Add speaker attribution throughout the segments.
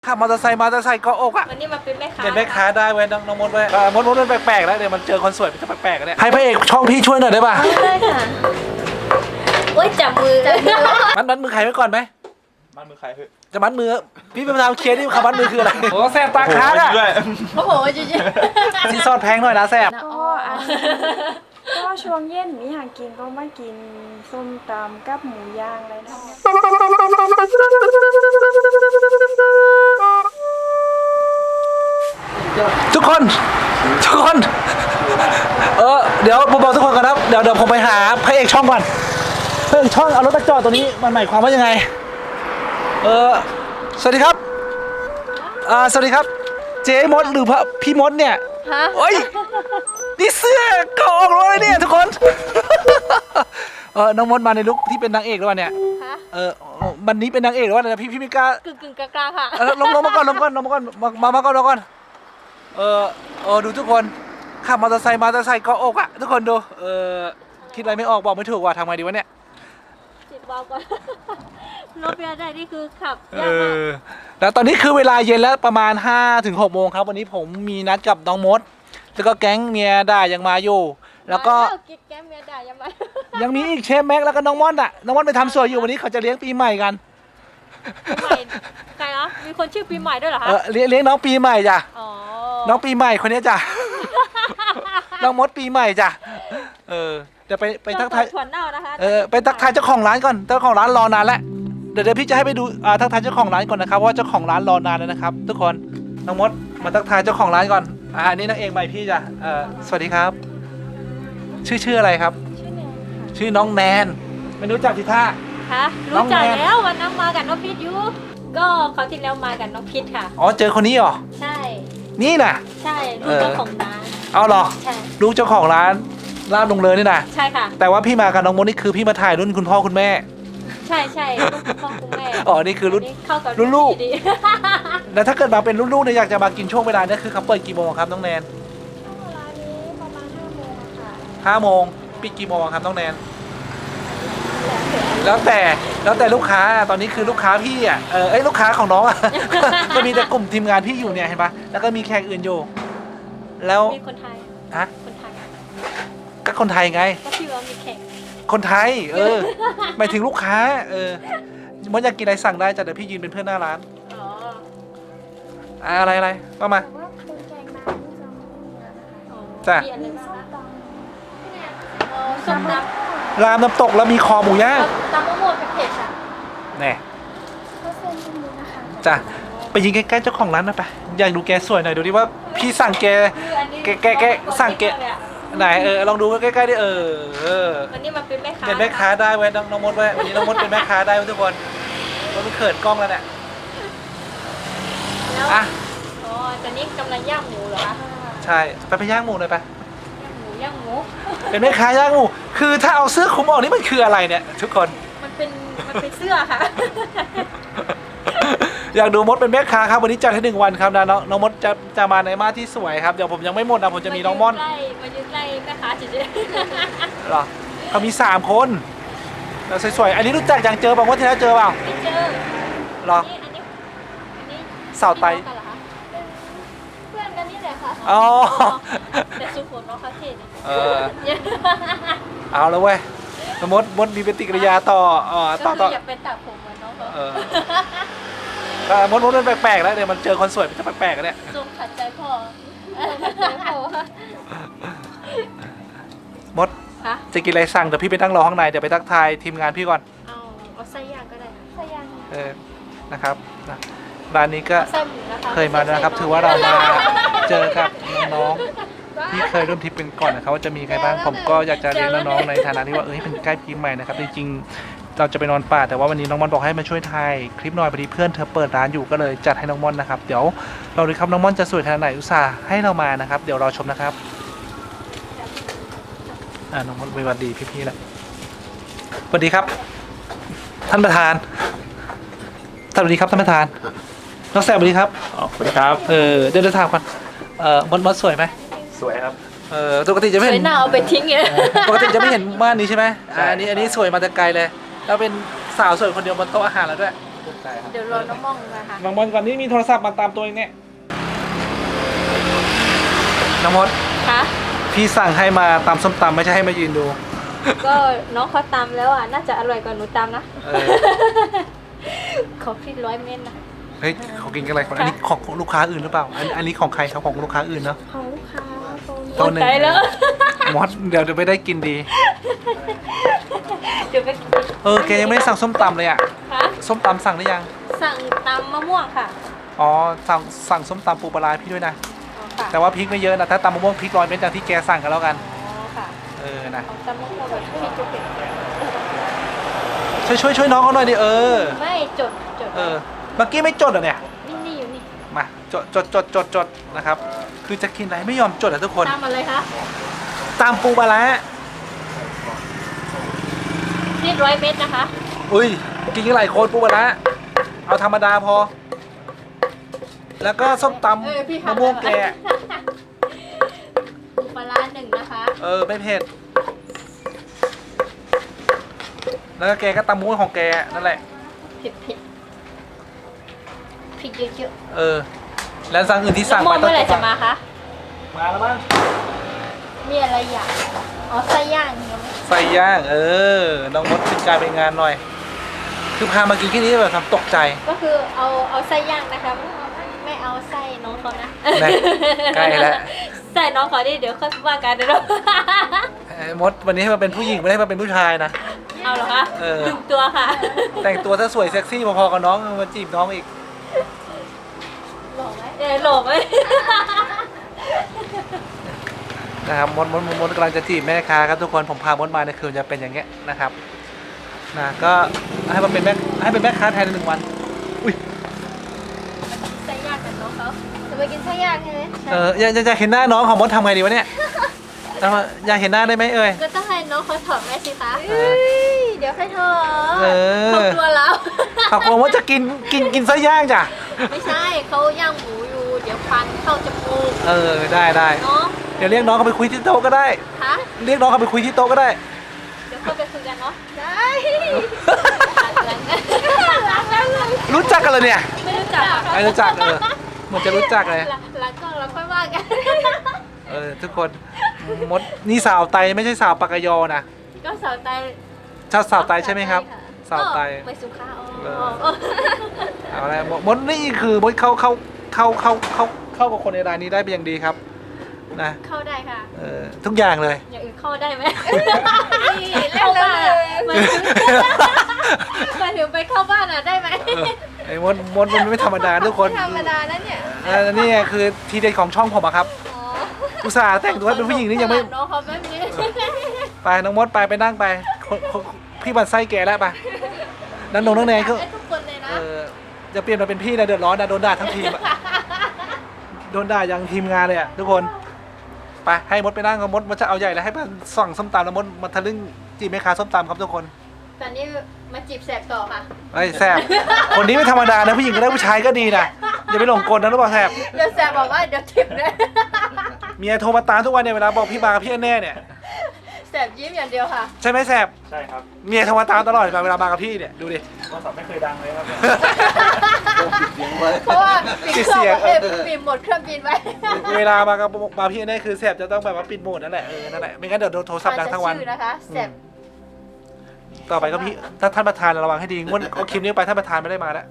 Speaker 1: ขับมอเตอร์ไซค์เกาะอกอ่ะ
Speaker 2: วันนี้มาเป็นแม่ค้า
Speaker 1: เป็นแม่ค้าได้เว้ยน้องมดเว้ยมดมันแปลกๆแล้วเดี๋ยวมันเจอคนสวยมันจะแปลกๆเนี่ยให้พระเอกช่องพี่ช่วยหน่อยได้ป่ะ
Speaker 2: ได้ค่ะโอ้ยจับมือ
Speaker 1: มัดมือใครไว้ก่อนไหม
Speaker 3: มัดมือใครเฮ้ย
Speaker 1: จะมัดมือพี่เป็นประธานเคสที่คำมัดมือคืออะไรโอ้แสบตาค้างอ่ะ
Speaker 2: โอ้โหจริง
Speaker 1: ซีซอนแพงหน่อยนะแสบ
Speaker 4: ก็ช่วงเย็นมีหากินก็มากินส้มตำกับหมูย่างอะไรนะ
Speaker 1: ทุกคนเดี๋ยวผมบอกทุกคนกันนะเดี๋ยวผมไปหาพระเอกช่องก่อนพระเอกช่องเอารถมาจอดตัวนี้มันหมายความว่ายังไงสวัสดีครับสวัสดีครับเจ๊มดหรือพี่มดเนี่ย
Speaker 2: ฮะ
Speaker 1: โอ้ยนี่เสื้อเกาะอกเลยเนี่ยทุกคนน้องมดมาในลุคที่เป็นนางเอกหรือเปล่าเนี่ย
Speaker 2: ฮะ
Speaker 1: วันนี้เป็นนางเอกหรือว่าอะไรนะพี่ไม่กล้าก
Speaker 2: ึ่งกลางๆค่ะ
Speaker 1: ลงมาก่อนมาก่อนดูทุกคนขับมอเตอร์ไซค์เกาะอกอ่ะทุกคนดูคิดอะไรไม่ออกบอกไม่ถูกว่าทำไงดีวะเนี่ย
Speaker 2: ติดวาล์วก่อนรถเบียร์ได้นี่คือขับ
Speaker 1: เอย
Speaker 2: ากมาก
Speaker 1: แล้วตอนนี้คือเวลาเย็นแล้วประมาณ 5-6 โมงครับวันนี้ผมมีนัดกับน้องมดแล้วก็แก๊งเมียด่ายังมาอยู่แล้วก็
Speaker 2: กิ๊กแก้มเมียด่ายังไง
Speaker 1: ยังมีอีกเชฟแม็กแล้วก็น้องม่อนน้องม่อนไปทำสวยอยู่วันนี้เขาจะเลี้ยงปีใหม่กัน
Speaker 2: ปีใหม่ใครนะมีคนชื่อปีใหม่ด้วยเหรอคะ
Speaker 1: เลี้ยงน้องปีใหม่จ้ะ
Speaker 2: อ๋อ
Speaker 1: น้องปีใหม่คนนี้จ้ะ น้องมดปีใหม่จ้ะเดี๋ยวไปทักทาย
Speaker 2: ถั่วเน่านะคะ
Speaker 1: ไปทักทายเจ้าของร้านก่อนเจ้าของร้านรอนานแล้วเดี๋ยวพี่จะให้ไปดูทักทายเจ้าของร้านก่อนนะครับเพราะว่าเจ้าของร้านรอนานแล้วนะครับทุกคนน้องมดมาทักทายเจ้าของร้านก่อนอันนี้นางเอกใหม่พี่จ้ะสวัสดีครับ ชื่ออะไรครับ ชื่อน้องแนนไม่รู้จักทิท่า
Speaker 2: ค่ะ
Speaker 1: น้อ
Speaker 2: รู้
Speaker 1: ง
Speaker 2: จัก
Speaker 1: แนน
Speaker 2: แล้ววันนั้นมากับน้องพิษอยู่ก็เขาวที่แล้วมากับน้องพิษค่ะ
Speaker 1: อ๋อเจอคนนี้เหรอ
Speaker 2: ใช่
Speaker 1: นี่น่ะ
Speaker 2: ใช่ลูกเจ้าของร้าน
Speaker 1: เอาเหรอ
Speaker 2: ใช่
Speaker 1: ลูกเจ้าของร้านลาบลงเลยนี่นะ
Speaker 2: ใช่ค่ะ
Speaker 1: แต่ว่าพี่มากับน้องมดนี่คือพี่มาถ่ายรุ่นคุณพ่อคุณแม่
Speaker 2: ใช่ลูกคุณพ่อคุณแม่
Speaker 1: อ๋อนี่คือรุ่น
Speaker 2: เข้ากับ
Speaker 1: รุ่นลูก
Speaker 2: ดี
Speaker 1: แล้วถ้าเกิดมาเป็นรุ่นลูกเนี่ยอยากจะมากินช่วงเวลาเนี่ยคือเขาเปิดกี่โมงครับน้องแนน
Speaker 4: ร้านนี้ประมาณ5 โมงค่ะ
Speaker 1: 5 โมงปิดกี่โมงครับน้องแนนแล้วแต่ลูกค้าตอนนี้คือลูกค้าพี่อ่ะลูกค้าของน้องอ่ะ ก็มีแต่กลุ่มทีมงานพี่อยู่เนี่ยเห็นปะแล้วก็มีแขกอื่นอยู่ แล้ว
Speaker 2: มีคนไทย
Speaker 1: ฮะ
Speaker 2: คนไทย
Speaker 1: ก็คนไทยไง
Speaker 2: ก็พี่ว่ามีแขก
Speaker 1: คนไทยหมายถึงลูกค้ามดอยากกินอะไรสั่งได้จ้ะเดี๋ยวพี่ยืนเป็นเพื่อนหน้าร้าน
Speaker 2: อ๋อ
Speaker 1: อะไรก็มา
Speaker 4: แต่ว่าเป็นแกงน้ำที่จะไม่มีนะคะ
Speaker 2: อ๋อ
Speaker 1: จ้ะ
Speaker 2: มีอะไร
Speaker 4: มี
Speaker 2: บ้าง
Speaker 4: ส้ม
Speaker 2: คะ
Speaker 4: ต
Speaker 2: อ๋อส้มต
Speaker 1: รามน้ำตกแล้วมีคอหมูย่าง
Speaker 2: ำตำมะม่วงเป็นเผ็ดค่ะ
Speaker 1: แน่
Speaker 4: ำก็เส้นที่นี้นะคะ
Speaker 1: จ้ะไปยิงใกล้ๆเจ้าของร้านหน่อยไปอยากดูแกสวยหน่อยดูดิว่าพี่สั่งแก
Speaker 2: คืออันนี้
Speaker 1: แกสั่งแก ไหนลองดูใกล้ๆดิ
Speaker 2: วันนี้มาเป็นแม่ค้า
Speaker 1: เป็นแม่ค้าได้เว้ยน้องมดเว้ยวันนี้น้องมดเป็นแม่ค้าได้เว้ยทุกคนมันเขินกล้องแล้วเนี่ย
Speaker 2: แล้ว
Speaker 1: อ่ะ
Speaker 2: อ๋อตอนนี้กำลังย่างหมูเหรอคะ
Speaker 1: ใช่ไปย่างหมูหน่อยไป
Speaker 2: ย่างหมู
Speaker 1: เป็นแม่ค้าย่างหมูคือถ้าเอาเสื้อคลุมออกนี่มันคืออะไรเนี่ยทุกคน
Speaker 2: มันเป็นเสื้อค่ะ
Speaker 1: อยากดูมดเป็นแม่ค้าครับวันนี้จัดให้1 วันครับนะน้องมดจะมาในมาที่สวยครับเดี๋ยวผมยังไม่หมดนะผมจะมีน้องม่อน
Speaker 2: มายืนใกล้แม่ค้าเฉย
Speaker 1: เหรอเขามี3 คนแล้วสวยๆอันนี้รู้จักอย่างเจอป่ะว่าที่แล้วเจอเปล่า
Speaker 2: ๆไม่เจอ
Speaker 1: เหรอ
Speaker 2: อันนี้
Speaker 1: สาวไต
Speaker 2: พี่น้องกันเหรอคะเพื่อนกันนี่แหละค่ะ
Speaker 1: อ๋อ
Speaker 2: แต่สุขุมน้องคาเท่เนี่ย
Speaker 1: เอาแล้วเว้ยมดมีปฏิกิริยาต่อต่อ
Speaker 2: ก็คืออย่าเป็นตัดผมเหมือนน้องเขา
Speaker 1: มดมันแปลกๆแล้วเดี๋ยวมันเจอคนสวยมันจะแปลกๆกันเนี่ย
Speaker 2: จงขัดใจพ่อพ่อ
Speaker 1: มด
Speaker 2: ฮะ
Speaker 1: จะกินอะไรสั่งเดี๋ยวพี่ไปนั่งรอข้างในเดี๋ยวไปทักทายทีมงานพี่ก่อน
Speaker 2: เอาไส้ย่างก็ได้ค่ะไส้ย่าง
Speaker 1: นะครับร้านนี้ก็
Speaker 2: ไส้หมูนะคะ
Speaker 1: เคยมาด้วยนะครับถือว่าเรามาเจอกับน้องๆที่เคยร่วมทริปเป็นก่อนนะครับว่าจะมีใครบ้างผมก็อยากจะเรียนน้องๆในฐานะที่ว่าเป็นใกล้ปีใหม่นะครับจริงๆเราจะไปนอนป่าแต่ว่าวันนี้น้องม่อนบอกให้มาช่วยถ่ายคลิปหน่อยพอดีเพื่อนเธอเปิดร้านอยู่ก็เลยจัดให้น้องม่อนนะครับเดี๋ยวเราดูครับน้องม่อนจะสวยขนาดไหนอุตส่าห์ให้เรามานะครับเดี๋ยวรอชมนะครับน้องม่อนสวัสดีพี่ๆแล้วสวัสดีครับ ท่านประธานสวัสดีครับท่านประธานน้องแซมสวัสดีครับ
Speaker 3: สวัสดีครับ
Speaker 1: เดี๋ยวถามก่อนมดสวยไหม
Speaker 3: สวยครับ
Speaker 1: ปกติจะไม่
Speaker 2: สว
Speaker 1: เห็
Speaker 2: ย
Speaker 1: น
Speaker 2: หน้าเอาไปทิ้งเนี่ย
Speaker 1: ปกติจะไม่เห็นม่านนี้ใช่ไหม
Speaker 3: ใช่
Speaker 1: อันนี้สวยมาแต่ไกลเลยแล้วเป็นสาวสวยคนเดียวบนโต๊ะอาหารแล้วด้วยใช่ครับ
Speaker 2: เดี๋ยวรอน้องมองนะคะ
Speaker 1: น้องมดก่อนนี่มีโทรศัพท์มาตามตัวเองเนี่ยน้องมด
Speaker 2: คะ
Speaker 1: พี่สั่งให้มาตำส้มตำไม่ใช่ให้มายืนดู
Speaker 2: ก็น้องเขาตำแล้วอ่ะน่าจะอร่อยกว่าหนูตำนะ
Speaker 1: เออ
Speaker 2: เขาพริก100 เม็ดนะ
Speaker 1: เฮ้ยเขากินกันอะไรคนอันนี้ของลูกค้าอื่นหรือเปล่าอันนี้ของใครครับของลูกค้าอื่นเนาะ
Speaker 4: ของลูกค้าโซน
Speaker 1: โต๊ะหนึ่ง
Speaker 2: ตายแล้ว
Speaker 1: มดเดี๋ยวไม่ได้กินดี
Speaker 2: เดี๋ยวไปกิน
Speaker 1: แกยังไม่ได้สั่งส้มตำเลยอ่ะ
Speaker 2: คะ
Speaker 1: ส้มตำสั่งหรือยัง
Speaker 2: สั่งตำมะม่วงค่ะ
Speaker 1: อ๋อสั่งส้มตำปูปลาร้าให้พี่ด้วยนะ
Speaker 2: อ๋อค่ะ
Speaker 1: แต่ว่าพริกไม่เยอะนะถ้าตำมะม่วงพริก100 เม็ดอย่างที่แกสั่งกันแล้วกัน
Speaker 2: อ๋อค่ะ
Speaker 1: นะ
Speaker 2: ของตำมะม่วงแบบที่จุกเด็ด
Speaker 1: ช่วยน้องเขาหน่อยดิ
Speaker 2: ไม่จด
Speaker 1: เมื่อกี้ไม่จดเหรอเนี่ย
Speaker 2: นี่อยู่นี่
Speaker 1: มาจดนะครับ คือจะกินอะไรไม่ยอมจดอ่ะทุกคน
Speaker 2: ตำอะไรคะ
Speaker 1: ตำปูปลาร้า
Speaker 2: นี่100 เม็ดนะคะ
Speaker 1: อุ้ยกินกันหลายคนปูปลาร้าเอาธรรมดาพอ แล้วก็ส้มตำมะม่วงแก
Speaker 2: ปูปลาร้า1นะคะ
Speaker 1: ไม่เผ็ด แล้วก็แกก็ตำมะม่วงของแกนั่นแหละ
Speaker 2: เผ็ดพริกเยอะ
Speaker 1: แล้วสั่งอื่นที่
Speaker 2: ๆ
Speaker 1: สั่ง
Speaker 2: มะม่วง
Speaker 1: ไปต้อ
Speaker 2: เมื่อไหร่จะมาคะ
Speaker 1: มาแล้วมั้ง
Speaker 2: มีอะไรอย่างอ๋อไส้ย่างยังไม่
Speaker 1: ใส่ย่างน้องมดเป็นการเป็นงานหน่อย คือพามากินแค่นี้แบบทำตกใจ
Speaker 2: ก็คือเอาไส้ย่างนะคะไม่เอาไส้น้องเขานะ
Speaker 1: แน่ใกล้แล้ว
Speaker 2: ไส้น้องเขาดิเดี๋ยวเขาว่ากันเดี๋ยวเรา
Speaker 1: มดวันนี้ให้มาเป็นผู้หญิงไม่ได้มาเป็นผู้ชายนะ
Speaker 2: เอาเหรอคะ ดึงตัวค่ะ
Speaker 1: แต่งตัวถ้าสวยเซ็กซี่พอๆกับน้องมาจีบน้องอีก
Speaker 2: หล่อไหมหล่อไหม
Speaker 1: นะครับมดกำลังจะจีบแม่ค้าครับทุกคนผมพามดมาในคืนจะเป็นอย่างเงี้ยนะครับก็ให้เป็นแม่ค้าแทนใน1 วันอุ้ย
Speaker 2: ไส้ย่างกับน้องเขาจะไปกินไส้ย่างใช่ไหม
Speaker 1: อยากเห็นหน้าน้องของมดทำไงดีวะเนี่ยอยากเห็นหน้าได้ไหม
Speaker 2: ก็ต้องให้น้องเขาถอดแม่สิคะ เดี๋ยวให้ถอด
Speaker 1: เออ
Speaker 2: เขากลัวแล้ว
Speaker 1: เขากลัวว่าจะกินไส้ย่างจ้ะ
Speaker 2: ไม่ใช่เขาย่างหมูอยู่ เดี๋ยวควันเข้าจมูก
Speaker 1: ได้
Speaker 2: เนาะ
Speaker 1: เดี๋ยวเรียกน้องเขาไปคุยที่โต๊ะก็ได้
Speaker 2: คะ
Speaker 1: เรียกน้องเขาไปคุยที่โต๊ะก็ได้
Speaker 2: เดี๋ยวเข้าไปคุยกันเนาะได้รักแล้วเลย
Speaker 1: รู้จักกันเลยเนี่ย
Speaker 2: ไม่รู้จัก
Speaker 1: ไม่รู้จักเหมือนจะรู้จักเลย
Speaker 2: หลังกล้องเราค่อยว่ากัน
Speaker 1: ทุกคนมดนี่สาวไตไม่ใช่สาวปากกยอนะ
Speaker 2: ก็สาวไต
Speaker 1: สาวไตใช่ไหมครับสาวไต
Speaker 2: ไปสุขา
Speaker 1: เอาละมดนี่คือมดเข้ากับคนในร้านนี้ได้เป็นอย่างดีครับนะ
Speaker 2: เข้าได้ค่ะ
Speaker 1: ทุกอย่างเลย
Speaker 2: อย่างอื่นเข้าได้ไหมเข้าบ้านมาถึงไปเข้าบ้านอ่ะได้ไหม
Speaker 1: ไอ้มดมันไม่ธรรมดาทุกคน
Speaker 2: ธรรมดาแล้วเนี่ย
Speaker 1: นี่คือทีเด็ดของช่องผมอะครับอุตส่าห์แต่งตัวให้เป็นผู้หญิงนี่ยังไม่
Speaker 2: น้องเขาแบบนี้
Speaker 1: ไปน้องมดไปนั่งไปพี่บันไส้แกแล้วไปนั่งแนงก็
Speaker 2: ทุกคนเลยนะ
Speaker 1: จะเปลี่ยนมาเป็นพี่นะเดือดร้อนนะโดนด่าทั้งทีมอะโดนด่ายังทีมงานเลยอะทุกคนไปให้มดไปนั่งกับมดจะเอาใหญ่แล้วให้มันสั่งส้มตำแล้วมดมาทะลึ่งจีบแม่ค้าส้มตำครับทุกคน
Speaker 2: ตอนนี้มาจีบแสบต่อค่ะ
Speaker 1: ไอ้แสบคนนี้ไม่ธรรมดานะผู้หญิงก็ได้ผู้ชายก็ดีนะอย่าไปหลงกลนะรู้ป่ะแสบ
Speaker 2: เดี๋ยวแสบบอกว่าเดี๋ยวทิปเลย
Speaker 1: เมียโทรมาตามทุกวันเนี่ยเวลาบอกพี่มากับพี่แน่เนี่ย
Speaker 2: แสบยิ้มอย่างเดียวค่ะ
Speaker 1: ใช่ไหมแสบ
Speaker 3: ใช่ครับ
Speaker 1: เมียโทรมาตามตลอดเวลามากับพี่เนี่ยดูดิ
Speaker 3: โทรศัพท์ไม่เคยดังเลยครับ
Speaker 2: เพราะว่าปิดเครื่องปิดหมดเครื่องบินไว้
Speaker 1: เวลามาพี่แน่คือแสบจะต้องแบบว่าปิดโหมดนั่นแหละนั่นแหละไม่งั้นเดี๋ยวโทรศัพท์ดังทั้งวัน
Speaker 2: ชื่อนะคะแสบ
Speaker 1: ต่อไปก็พี่ถ้าท่านประธานระวังให้ดีงวดเอาคลิปนี้ไปท่านประธานไม่ได้มาแล้ว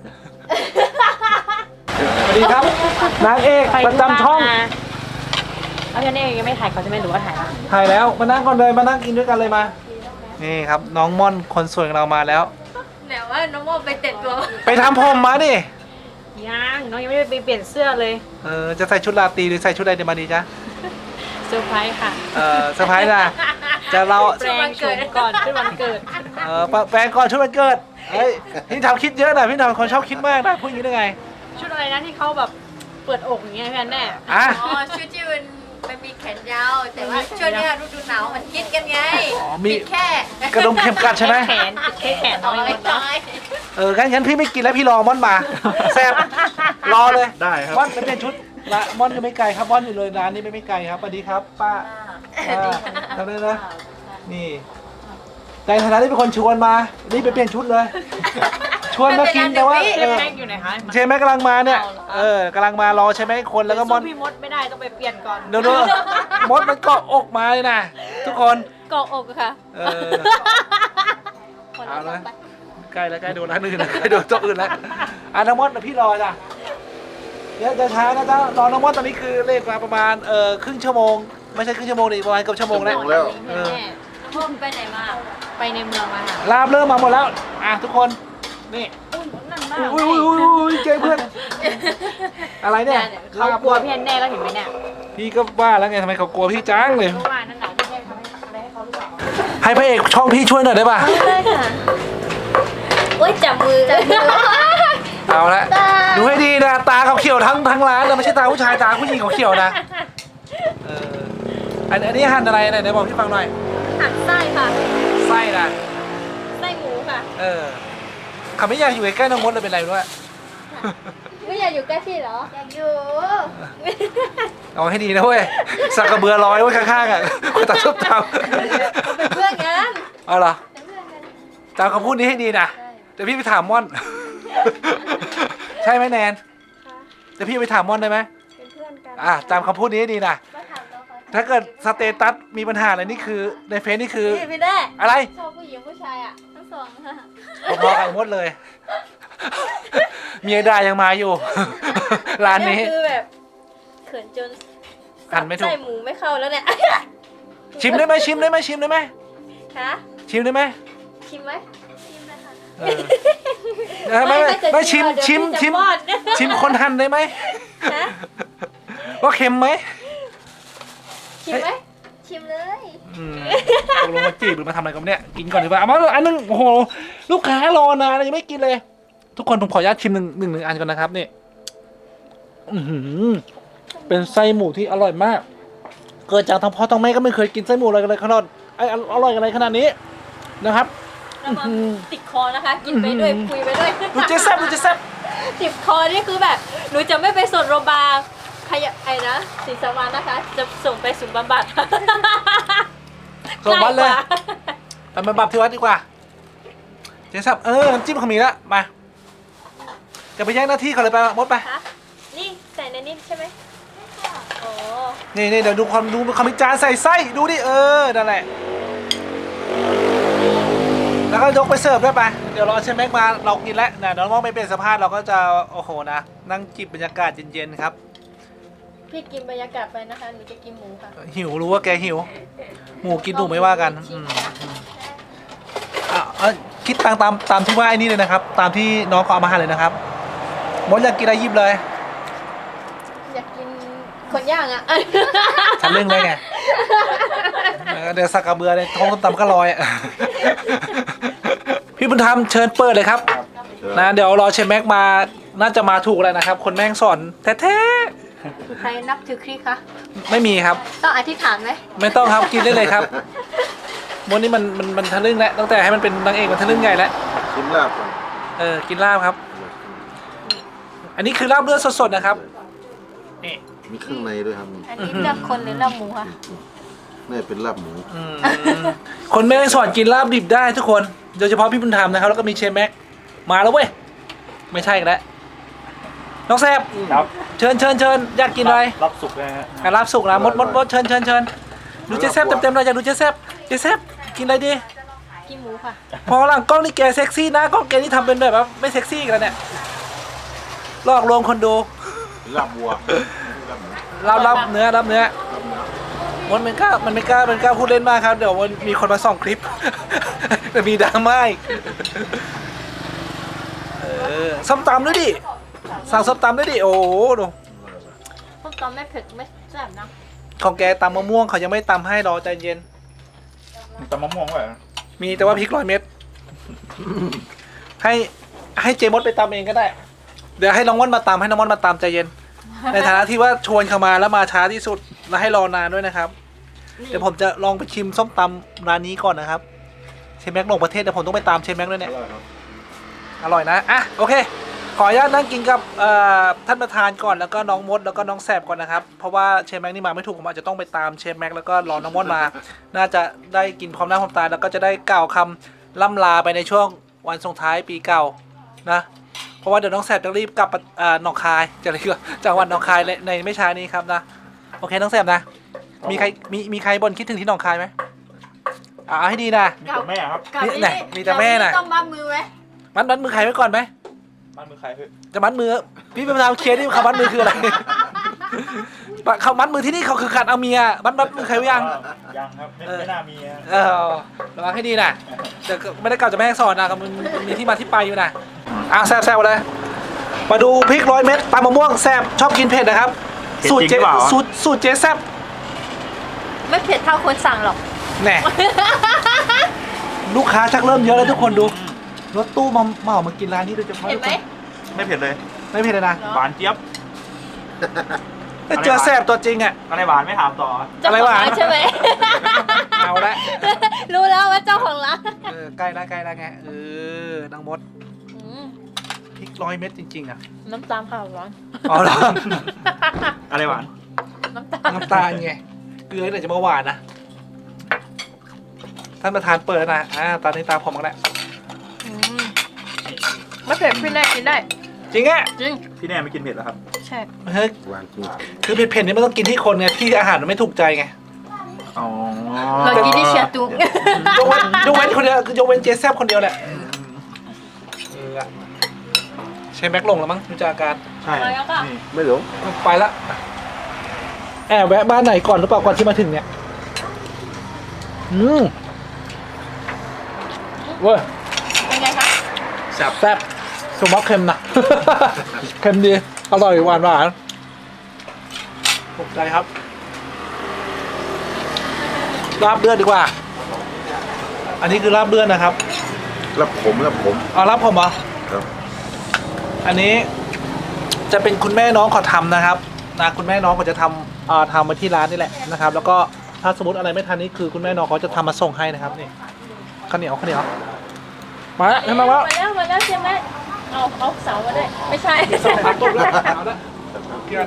Speaker 1: สวัสดีครับนางเอกประจำช่อง
Speaker 2: เอาเนี่ยยังไม่ถ่ายเขาจะไม่รู้ว่าถ่าย
Speaker 1: ถ่ายแล้วมานั่งก่อนเลยมานั่งกินด้วยกันเลยมานี่ครับน้องม่อนคนสวยของเรามาแล้ว
Speaker 2: แต่ว่าน้องโมไปเต็ดตัว
Speaker 1: ไปทำผมมาดิ
Speaker 5: ยังน้องยังไม่ได้ไปเปลี่ยนเสื้อเลย
Speaker 1: จะใส่ชุดราตรีหรือใส่ชุดอะไรเดี๋ยวมาดีจ้ะ
Speaker 5: เซอร์ไพรส์ค่ะ
Speaker 1: เซอร์ไพรส์นะจะเรา
Speaker 5: แปลงโฉมก่อนขึ้นวันเกิด
Speaker 1: แฟนก่อนชุดวันเกิดเฮ้ยพี่ทำคิดเยอะนะพี่ทำคนชอบคิดมากนะพูดอย่างนี้ได้ไง
Speaker 5: ชุดอะไรนะที่เขาแบบเปิดอกอย่างเงี้ยพี่แอนแน่
Speaker 1: อ่ะ
Speaker 2: อ๋อชุดที่มันมีแขนยาวแต่ว่าช่วงนี้ฤดูหนาวมันคิดกันไง
Speaker 1: มี
Speaker 2: ปิดแค่
Speaker 1: กระดุมเข็มกัดใช่ไหม
Speaker 5: แขนติดแค่แขนน้
Speaker 2: เอา
Speaker 5: อย
Speaker 2: ไว้
Speaker 5: เนาะ
Speaker 2: น้อย
Speaker 1: งั้นพี่ไม่กินแล้วพี่รอม่อนมาแซ่บรอเลย
Speaker 3: ได้ครับ
Speaker 1: ม่อนไปเปลี่ยนชุดละม่อนก็ไม่ไกลครับม่อนอยู่เลยร้านนี้ไม่ไกลครับสวัสดีครับป้าทำได้นะนี่ในฐานะที่เป็นคนชวนมานี่ไปเปลี่ยนชุดเลย ชุวนมากินแต่ว่า
Speaker 5: เชฟแม็กอยู่ไหนคะ
Speaker 1: เชฟแม็กกำลังมาเนี่ยกำลังมารอใช่ไหมคนแล้วก็ม
Speaker 5: สู้
Speaker 1: อน
Speaker 5: พี่มดไม่ได้ต้องไปเปลี่ยนก่อน
Speaker 1: เดี๋ยวมดมันเกาะอกมาเลยนะทุกคน
Speaker 5: เกาะอกค่ะ
Speaker 1: เอาละใกล้แล้วใกล้โดนร้านอื่นแล้วใกล้โดนโต๊ะอื่นแล้วน้องมดพี่รอจ้ะเดี๋ยวจะช้านะจ๊ะรอน้องมดตอนนี้คือเลขมาประมาณครึ่งชั่วโมงไม่ใช่ครึ่งชั่วโมงดิประมาณเกือบชั่วโมงแล้ว
Speaker 2: พ่อไปไหนมา
Speaker 5: ไปในเมืองมาค่ะ
Speaker 1: ลาบเริ่มมาหมดแล้วทุกคนนี่อุ้ยเจ๊เพื่อนอะไรเนี่ย
Speaker 5: เขากลัวพี่แน่แล้วเห็นไหมเนี่ย
Speaker 1: พี่ก็ว่าแล้วไงทำไมเขากลัวพี่จังเลย
Speaker 5: เมื่อวานนั่นแหละพี่แน่ทำอะไรให้เขาหรือเปล่า
Speaker 1: ให้พระเอกช่องพี่ช่วยหน่อยได้ป่ะ
Speaker 2: ได้ค่ะโอ้ยจับมือ
Speaker 1: เอาละดูให้ดีนะตาเขาเขียวทั้งร้านนะไม่ใช่ตาผู้ชายตาผู้หญิงเขาเขียวนะอันนี้หั่นอะไรไหนบอกพี่ฟังหน่อย
Speaker 2: หันไส้ค่ะ
Speaker 1: ไส้นะ
Speaker 2: ไส้หมูค่ะ
Speaker 1: เขาไม่อยากอยู่ใกล้ๆน้องมดเลยเป็นไรด้วย
Speaker 2: ไม่อยากอยู่ใกล้พี่เหรอ อยากอยู่
Speaker 1: เอาให้ดีนะเว้ยสักกระเบือร้อยไว้ข้างๆอ่ะคนตัดชุบท
Speaker 2: เป็นเพื่อนกัน
Speaker 1: ำเอาเหรอ
Speaker 2: เป็นเพื่อนกัน
Speaker 1: จำคำพูดนี้ให้ดีนะเดี๋ยวพี่ไปถามม่อน ใช่ไหมแนนเดี๋ยวพี่ไปถามม่อนได้ไหม
Speaker 4: เป็นเพื่อนกัน
Speaker 1: จำคำพูดนี้ให้ดีนะ
Speaker 2: มาถามเราค่ะ
Speaker 1: ถ้าเกิดสเตตัสมีปัญหาอะไรนี่คือในเฟซนี่คือ
Speaker 2: พี่ได้
Speaker 1: อะไร
Speaker 2: ชอบผู้หญิงผู้ชายอ่ะทั้งสองค่ะ
Speaker 1: พอๆกันหมดเลย เมียด่ายังมาอยู่ ร้านนี้
Speaker 2: คือแบบเขินจน
Speaker 1: หันไม่ถูก
Speaker 2: ใส่หมูไม่เข้าแล้วเนี่ย
Speaker 1: ชิมได้ไหมชิมได้ไหมชิมได้ไหม
Speaker 2: คะ
Speaker 1: ชิมได้ไหม
Speaker 2: ชิมไหมชิมเลยค่ะ
Speaker 1: ไม่ชิมชิมชิม
Speaker 2: เดี๋ยวพี่จะป้อน
Speaker 1: ชิมคนหั่นได้ไหม
Speaker 2: ฮะ
Speaker 1: ว่าเค็มไหม
Speaker 2: ชิมไหมชิมเลย
Speaker 1: ตกลงมาจีบหรือมาทำอะไรกันเนี่ยกินก่อนดีกว่าเอามาอันนึงโอ้โหลูกค้ารอนานยังไม่กินเลย ทุกคนผมขออนุญาตชิมหนึ่งอันก่อนนะครับนี่เป็นไส้หมูที่อร่อยมาก เกิดจากทั้งพ่อทั้งแม่ก็ไม่เคยกินไส้หมูอะไรกันเลยขนาดอร่อยกันเลยขนาดนี้นะครับ
Speaker 2: แล้วมันติดคอนะคะ กินไปด้วยคุยไปด้วย
Speaker 1: ดูเจ๊แซ่บดูเจ๊แซ่บ
Speaker 2: ติดคอนี่คือแบบหนูจะไม่ไปส่งโรงพยาบาลใครไอ้นะศรีสวรรค์นะคะ จะส่งไปศูนย์บำบัด
Speaker 1: ส่งวัดเลย
Speaker 2: ใกว่า
Speaker 1: ไปบำบัดที่วัดดีกว่าเจ๊แซ่บน้ำจิ้มเขามีแล้วมาจะไปแย่งหน้าที่เขาเลยไปมดไป
Speaker 2: คะนี่ใส่ในนี้ใช่ไหมโอ้
Speaker 1: นี่เดี๋ยวดูความมีจานใส่ไส้ดูดินั่นแหละแล้วก็ยกไปเสิร์ฟด้วยไปเดี๋ยวรอเชฟแม็กมาเรากินแล้วนะน้องมองไม่เป็นสภาพเราก็จะโอ้โหนะนั่งจิบบรรยากาศเย็นๆครับ
Speaker 2: พี่กินบรรยากาศไปนะคะหนูจะกินหมูค่ะ
Speaker 1: หิวรู้ว่าแกหิวหมูกินหนูไม่ว่ากันคิดตามที่ว่าไอ้นี่เลยนะครับ ตามที่น้องเขาเอามาให้เลยนะครับมดอยากกินอะไรหยิบเลย
Speaker 2: อยากกินคนย่างอ่ะ
Speaker 1: ทะลึ่งเลยไงเดี๋ยวสักกระเบือในท้องตำก็ลอยพี่บุญธรรมเชิญเปิดเลยครับนะเดี๋ยวรอเชฟแม็กมาน่าจะมาถูกแล้วนะครับ คนแม่งสอนแท้
Speaker 2: ใครนับถือคริสคะ
Speaker 1: ๆไม่มีครับ
Speaker 2: ต้องอธิษฐานไหม
Speaker 1: ไม่ต้องครับกินได้เลยครับมดนี่มันทะลึ่งแล้วตั้งแต่ให้มันเป็นนางเอกมันทะลึ่งใหญ่แล้ว
Speaker 3: ชิมลาบก่อน
Speaker 1: กินลาบครับ อันนี้คือลาบเลือดสดๆนะครับนี่
Speaker 3: มีเครื่องในด้วยครับ
Speaker 2: อันนี้เลือกคนหรือเลือกหมูคะ
Speaker 3: นี่เป็นลาบหมู
Speaker 1: คนแม่งสอนกินลาบดิบได้ทุกคนโดยเฉพาะพี่บุญธรรมนะครับแล้วก็มีเชฟแม็กมาแล้วเว้ยไม่ใช่กันแล้วน้องแซบ
Speaker 3: ครับ
Speaker 1: เชิญอยากกินอะไร
Speaker 3: รับสุกนะฮะ
Speaker 1: ลาบสุกนะมดเชิญดูเจ๊แซบเต็มๆเลยอยากดูเจ๊แซบกินอะไรดี
Speaker 2: กินหมูค่ะ
Speaker 1: พอหลังกล้องนี่แกเซ็กซี่นะกล้องแกนี่ทำเป็นแบบว่าไม่เซ็กซี่กันเนี่ยหลอกลวงคนดู
Speaker 3: ลาบวัวลาบหมู
Speaker 1: รับเนื้อมันไม่กล้าพูดเล่นมากครับเดี๋ยวมันมีคนมาส่องคลิป จะมีดราม่าอีกส้มตำด้วยดิสั่งส้มตำด้วยดิโอ้โหดู
Speaker 2: พวกตอนไม่เผ็ดไม่แซ่บนะ
Speaker 1: ของแกตำมะม่วงเขายังไม่ตำให้รอใจเย็น
Speaker 3: ตำมะม่วงไว้
Speaker 1: มีแต่ว่าพริก100 เม็ดให้เจมดไปตำเองก็ได้ เดี๋ยวให้น้องม่อนมาตำให้น้องม่อนมาตำใจเย็น ในฐานะที่ว่าชวนเขามาแล้วมาช้าที่สุดและให้รอนานด้วยนะครับ เดี๋ยวผมจะลองไปชิมส้มตำร้านนี้ก่อนนะครับเชฟแม็กลงประเทศเดี๋ยวผมต้องไปตามเชฟแม็กด้วยเนี่ยอร่อยนะโอเคขออนุญาตนั่งกินกับท่านประธานก่อนแล้วก็น้องมดแล้วก็น้องแสบก่อนนะครับเพราะว่าเชฟแม็กนี่มาไม่ถูกผมอาจจะต้องไปตามเชฟแม็กแล้วก็รอน้องมดมา น่าจะได้กินความหน้าความตาแล้วก็จะได้กล่าวคำล่ำลาไปในช่วงวันส่งท้ายปีเก่านะเพราะว่าเดี๋ยวน้องแสบจะรีบกลับหนองคายจะเรียกว่าจังหวัดหนองคายในไม่ช้านี้ครับนะโอเคน้องแสบนะมีใครบ่นคิดถึงที่หนองคายไหมเอาให้ดีนะ
Speaker 3: มีแต่แม่ครับ
Speaker 2: กับ
Speaker 1: นี่ไหนมีแต่แม่น่ะ
Speaker 2: ต้องมัดมือไหม
Speaker 1: มัดมือใครไว้ก่อนไหม
Speaker 3: บ้านมือใครเฮ้ย
Speaker 1: จะมัดมือพี่เป็นประธานเคลียร์ดิคำมัดมือคืออะไรเขามัดมือที่นี่เขาคือการเอาเมียมัดมือใครไว้ยัง
Speaker 3: ยังครับไม่น่ามีฮะ
Speaker 1: ระวังให้ดีนะแต่ไม่ได้กล่าวจะแม่ให้สอนนะมันมีที่มาที่ไปอยู่นะแซ่บเลยมาดูพริก100 เม็ดตามมะม่วงแซ่บชอบกินเผ็ดนะครับสูตรเจ๊แซ่บ
Speaker 2: ไม่เผ็ดเท่าคนสั่งหรอก
Speaker 1: แน่ลูกค้าชักเริ่มเยอะแล้วทุกคนดูรถตู้มากินร้านนี้โดยเฉพาะ
Speaker 2: เห็นไหม
Speaker 3: ไม่เผ็ดเลย
Speaker 1: ไม่เผ็ดเลยนะ
Speaker 3: หวานเจี๊ยบ
Speaker 1: แต่เจอแซ่บตัวจริงอ่ะ
Speaker 3: อะไรหวานไม่ถามต่อ
Speaker 2: เจ้าของร้านใช่ไหม
Speaker 1: เอาละ
Speaker 2: รู้แล้วว่าเจ้าของร้าน
Speaker 1: ใกล้แล้วไงนางมด
Speaker 2: อืม
Speaker 1: พริก100 เม็ดจริงๆอ่ะ
Speaker 2: น้ำตาลค่ะร้อน
Speaker 1: อ๋อเหรอ
Speaker 3: อะไรหวาน
Speaker 2: น้ำตาล
Speaker 1: น้ำตาลไงเกลือเนี่ยจะมาหวานนะท่านประธานเปิดแล้วนะตอนนี้ตาผมกันแล้ว
Speaker 2: อืมไม่เผ็ดพี่แน่กินได้
Speaker 1: จริงอ่ะ
Speaker 2: จริง
Speaker 3: พี่แน่ไม่กินเผ็ดเหรอครับ
Speaker 2: ใช่
Speaker 1: เฮ้ย
Speaker 3: หวานจริง
Speaker 1: คือเผ็ดๆนี่มันต้องกินที่คนไงที่อาหารมันไม่ถูกใจไง
Speaker 3: อ๋อ
Speaker 2: เรากินที่เชียร์ตุง
Speaker 1: ยกเว้นคนเดียวยกเว้นเจแซบคนเดียวแหละใช้แม็กลงแล้วมั้งดูจากอาการ
Speaker 3: ใช่นี่
Speaker 6: ไม่หลง
Speaker 1: ไปละแอบแวะบ้านไหนก่อนหรือเปล่าก่อนที่มาถึงเนี่ยเว้ย
Speaker 2: เป็นไงคะ
Speaker 1: แซ่บสมมติเค็มนะ เค็มดีอร่อยหวานถูกใจครับลาบเลือดดีกว่า อันนี้คือลาบเลือดนะครับ
Speaker 6: รับผม
Speaker 1: เอาลาบผมเหรอ
Speaker 6: ครับ
Speaker 1: อันนี้จะเป็นคุณแม่น้องเขาทำนะครับคุณแม่น้องเขาจะทำมาที่ร้านนี่แหละนะครับ แล้วก็ถ้าสมมติอะไรไม่ทันนี่คือคุณแม่น้องเขาจะทำมาส่งให้นะครับนี่ข้าวเหนียวมาแล้วมาแล้ว
Speaker 2: มาแล้วใช่ไหมเอาเสามาด้วยไม่ใช่
Speaker 1: สองพันต้นแล้วเอาละเกียน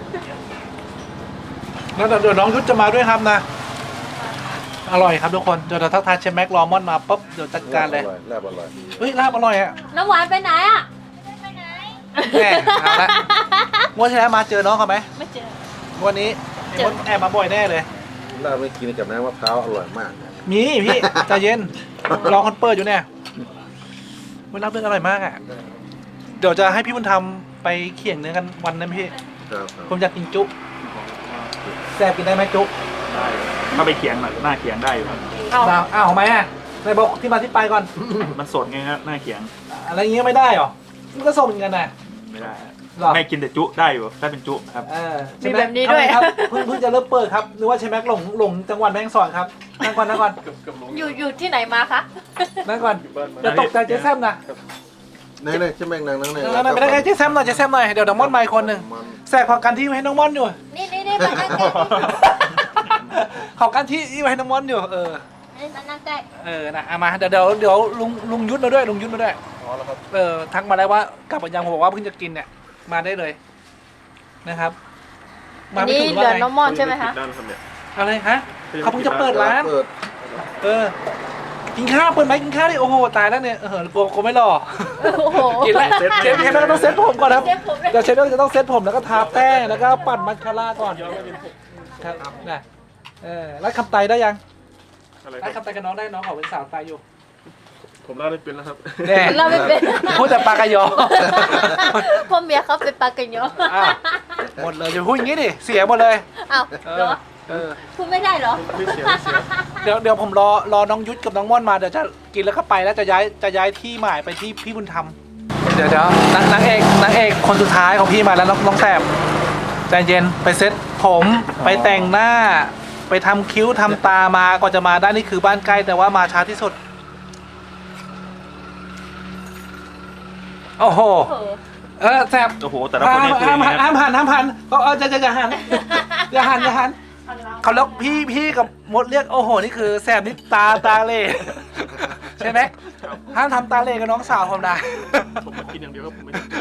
Speaker 1: แล้วเดี๋ยวน้องยุทธจะมาด้วยครับนะอร่อยครับทุกคนเดี๋ยวทักทายเชฟแม็กลอมอนมาปุ๊บเดี๋ยวจัดการเลย
Speaker 6: ลาบอร่อย
Speaker 1: เฮ้ยลาบอร่อยอ่ะ
Speaker 2: น้ำหวานไปไหนอ่ะ
Speaker 1: แน่เอาละงวดที่แล้วมาเจอน้องเขาไหม
Speaker 2: ไม่เจอ
Speaker 1: วันนี้มดแอบมาบ่อยแน่เลย
Speaker 6: ลาบไม่กินกับน้ำมะพร้าวอร่อยมากนะ
Speaker 1: มีพี่ใจเย็นรอคนเปิดอยู่เนี่ยมันรับเรื่องอร่อยมากอ่ะเดี๋ยวจะให้พี่บุญธรรมไปเขี่ยงเนื้อกันวันนั้นพี่
Speaker 6: ครับ
Speaker 1: ผมอยากกินจุแซ่บกินได้ไหมจุ
Speaker 3: ได้ถ้าไปเขียงหน่อยหน้าเขียงได้อยู่ครับ
Speaker 1: อ้าวทำไมอ่ะไหนบอกที่มาที่ไปก่อน
Speaker 3: มันสดไงครับหน้าเขียง
Speaker 1: อะไรอย่างเงี้ยไม่ได้หรอมันก็ส่งเหมือนกันนะ
Speaker 3: ไม่ได้
Speaker 1: หรอ
Speaker 3: ไม่กินแต่จุได้อยู่ถ้าเป็นจุครับ
Speaker 2: มีแบบนี้ด้วย
Speaker 1: ครับเพิ่งจะเริ่มเปิดครับนึกว่าใช่แม็กหลงจังหวัดแม่ฮ่องสอนครับนั่งก่อน
Speaker 2: อยู่ที่ไหนมาคะ
Speaker 1: นั่งก่อนอย่าตกใจเจ๊แซมนะ
Speaker 6: นี่ใช่แม่งนางนั่งเนี่ย
Speaker 1: นั่งไม่ได้ไงเจ๊แซมหน่อยเดี๋ยวน้องม่อนมาอีกคนหนึ่ง
Speaker 6: มัน
Speaker 1: แสกขอกันที่ไว้ให้น้องม่อนอยู่
Speaker 2: นี่มานั่งใกล้
Speaker 1: ขอกันที่ไว้ให้น้องม่อนอยู่
Speaker 2: มานั่งใกล้
Speaker 1: นะเอามาเดี๋ยวลุงยุทธมาด้วยทักมาแล้วว่ากลับมายังผมบอกว่าเพิ่งจะกินเนี่ยมาได้เลยนะครับ
Speaker 2: อันนี้เหลือน้องมอนใช่ไหมคะ
Speaker 1: อะไรฮะเขาเพิ่งจะเปิดร้าน
Speaker 6: เปิด
Speaker 1: กินข้าวเปิดไหมกินข้าวดิโอ้โหตายแล้วเนี่ยกลัวไม่หล่อ
Speaker 2: โอ้โห
Speaker 1: กินแล้วเชฟก็ต้องเซ็ตผมก่อนครับ
Speaker 2: เซ็ตผมเลย
Speaker 1: เดี๋ยวเชฟก็จะต้องเซ็ตผมแล้วก็ทาแป้งแล้วก็ปั่นมัสคาร่าก่อนครับนะแล้วคำไตได้ยังแล้วคำไตกับน้องได้น้องเขาเป็นสาวไตอยู่
Speaker 3: ผมเล่าได้เป็นแล้วครับ
Speaker 1: แน่
Speaker 2: เราไม่เป็น
Speaker 1: พูดแต่ปากกายอ
Speaker 2: พ่อเมียเขาเป็นปลากันเยอะ
Speaker 1: อ้าวหมดเลยจะพูดอย่างนี้ดิเสียหมดเลย
Speaker 2: อ้าวเหรอพูดไม่ได้เหรอ
Speaker 1: เดี๋ยวผมรอน้องยุทธกับน้องม่อนมาเดี๋ยวจะกินแล้วก็ไปแล้วจะย้ายที่หมายไปที่พี่บุญธรรมเดี๋ยวนางเอกคนสุดท้ายของพี่มาแล้วน้องแสบใจเย็นไปเซ็ตผมไปแต่งหน้าไปทำคิ้วทำตามาก่อนจะมาได้นี่คือบ้านใกล้แต่ว่ามาช้าที่สุดโอ้โหแสบ
Speaker 3: โอ้โหแต่ละคนนี่คืออย่างนี้
Speaker 1: ห้าม
Speaker 3: นะ
Speaker 1: หันจะหันอย่าหันเขาแล้วพี่กับมดเรียกโอ้โหนี่คือแสบนี่ตาเล่ใช่ไหมห้ามทำตาเล่กับน้องสาวผมนะ
Speaker 3: ผมกินอย่างเดียวก็ผมไม่ได้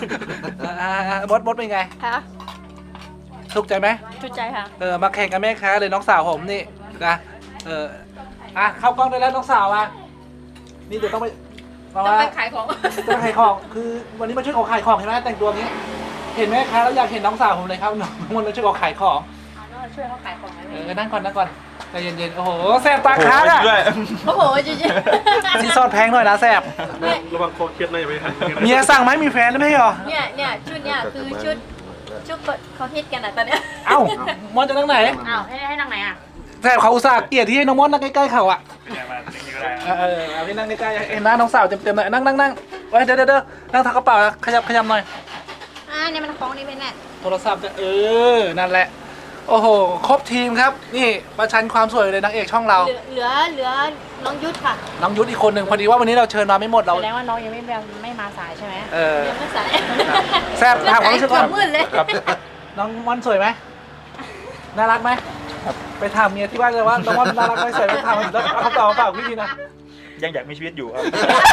Speaker 1: มดเป็นไง
Speaker 2: คะ
Speaker 1: ถูกใจไหม
Speaker 2: ชุดใจค่ะ
Speaker 1: มาแข่งกับแม่ค้าเลยน้องสาวผมนี่นะเข้ากล้องได้แล้วน้องสาวอ่ะนี่เดี๋ยวต้องไปเพราะ
Speaker 2: จะ
Speaker 1: ว่า
Speaker 2: ไปขายของ
Speaker 1: จะขายของคือวันนี้มาช่วยเขาขายของเห็นไหมแต่งตัวนี้ เห็นไหมคะแล้วอยากเห็นน้องสาวผมเลยครับน้องมันมาช่วยเขาขายของ
Speaker 2: ช่วยเขาขายของไหม
Speaker 1: นั่งก่อนใจเย็นๆโอ้โหแสบตาค้างอ่ะ
Speaker 3: ด้วย
Speaker 2: โอ้โหจริง
Speaker 1: ซีซอสแพงหน่อยนะแสบ
Speaker 3: ระวังคอเครียดในไปทัน
Speaker 1: เมียสั่งไหมมีแฟนหรือไม่หรอ
Speaker 2: ๆเนี่ยชุดเนี่ยคือชุดเขาฮิตกันอ่ะตอนเนี้ย
Speaker 1: เอ้ามอนจะนั่งไหน
Speaker 5: อ้าวให้นั่งไหนอ่ะ
Speaker 1: แสบเขาอุตส่าห์เกลียดที่ให้น้องมอนนั่งใกล้ๆเขาอ่ะ
Speaker 3: มาอย่างนี้ก็ได้
Speaker 1: เอาพี่นั่งใกล้ๆเห็นหน้าน้องสาวเต็มๆหน่อยนั่งไว้เดี๋ยวนั่งทักกระเป๋าขยับหน่อย
Speaker 2: เนี่ยมันของนี่เป็นแน่
Speaker 1: โทรศัพท์จะนั่นแหละโอ้โหครบทีมครับนี่ประชันความสวยเลยนางเอกช่องเรา
Speaker 2: เหลือน้องยุทธค่ะ
Speaker 1: น้องยุทธอีกคนหนึ่งพอดีว่าวันนี้เราเชิญมาไม่หมดเรา
Speaker 5: แสดงว่าน้องยังไม่มาสายใช่ไหม
Speaker 2: ยังไม่ใส่
Speaker 1: แซ่บถามความรู้สึกก่อน
Speaker 2: มืดเลย
Speaker 1: น้องมอนสวยไหมน่ารักไหมไปถามเมียที่บ้านเลยว่าน้องมอนน่ารักไหมสวยไหมถามแล้วเอาคำตอบมาฝากพี่ดีนะ
Speaker 3: ยังอยากมีชีวิตอยู่ครับ